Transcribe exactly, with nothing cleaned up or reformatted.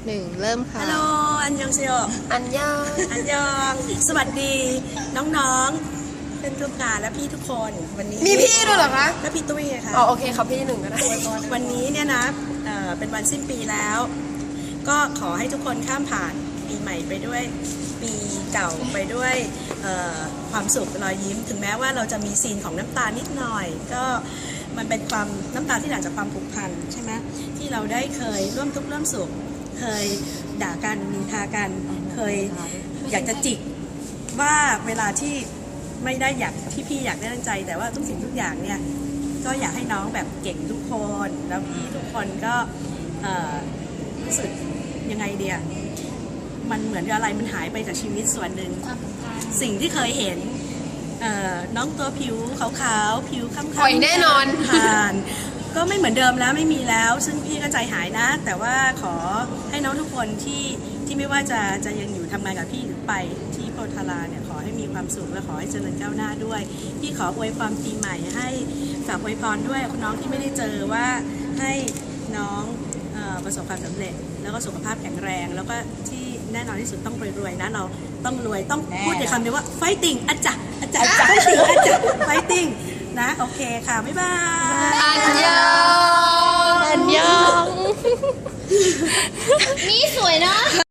หนึ่งเริ่มค่ะฮัลโหลอันยองเซียวอันยองอันยองสวัสดีน้องๆเป็นทุกงานและพี่ทุกคนวันนี้มีพี่ด้วยเหรอคะและพี่ตุ้ยค่ะอ๋อโอเคครับพี่หนึ่งก็ได้วันนี้เนี่ยนะเอ่อเป็นวันสิ้นปีแล้ว ก็ขอให้ทุกคนข้ามผ่านปีใหม่ไปด้วยปีเก่าไปด้วยเอ่อความสุขรอยยิ้มถึงแม้ว่าเราจะมีซีนของน้ำตานิดหน่อย ก็มันเป็นความน้ำตาที่หลั่งจากความผูกพันใช่ไหมที่เราได้เคยร่วมทุกข์ร่วมสุขเคยด่ากันนินทากันเคยอยากจะจิกว่าเวลาที่ไม่ได้อยากที่พี่อยากได้ตั้งใจ แต่ว่าทุกสิ่งทุกอย่างเนี่ยก็อยากให้น้องแบบเก่งทุกคนแล้วพี่ทุกคนก็เอ่อรู้สึกยังไงเดียมันเหมือนอะไรมันหายไปจากชีวิตส่วนหนึ่งสิ่งที่เคยเห็นเอ่อน้องตัวผิวขาวๆผิวค้ำๆปล่อยแน่นอนผ่านก็ไม่เหมือนเดิมแล้วไม่มีแล้ว ซึ่งพี่ก็ใจหายนะ แต่ว่าขอให้น้องทุกคนที่ที่ไม่ว่าจะจะยังอยู่ทำงานกับพี่หรือไปที่โพธาราเนี่ยขอให้มีความสุขและขอให้เจริญก้าวหน้าด้วยพี่ขออวยพรปีใหม่ให้ฝากอวยพรด้วยน้องที่ไม่ได้เจอว่าให้น้องเอ่อประสบความสำเร็จแล้วก็สุขภาพแข็งแรงแล้วก็ที่แน่นอนที่สุดต้องรวยๆนะเราต้องรวยต้องพูดในคำเดียวว่า fighting อาจารย์อาจารย์ fighting อาจารย์ fighting นะโอเคค่ะบ๊ายบายอันยองอันยองนี่สวยเนาะ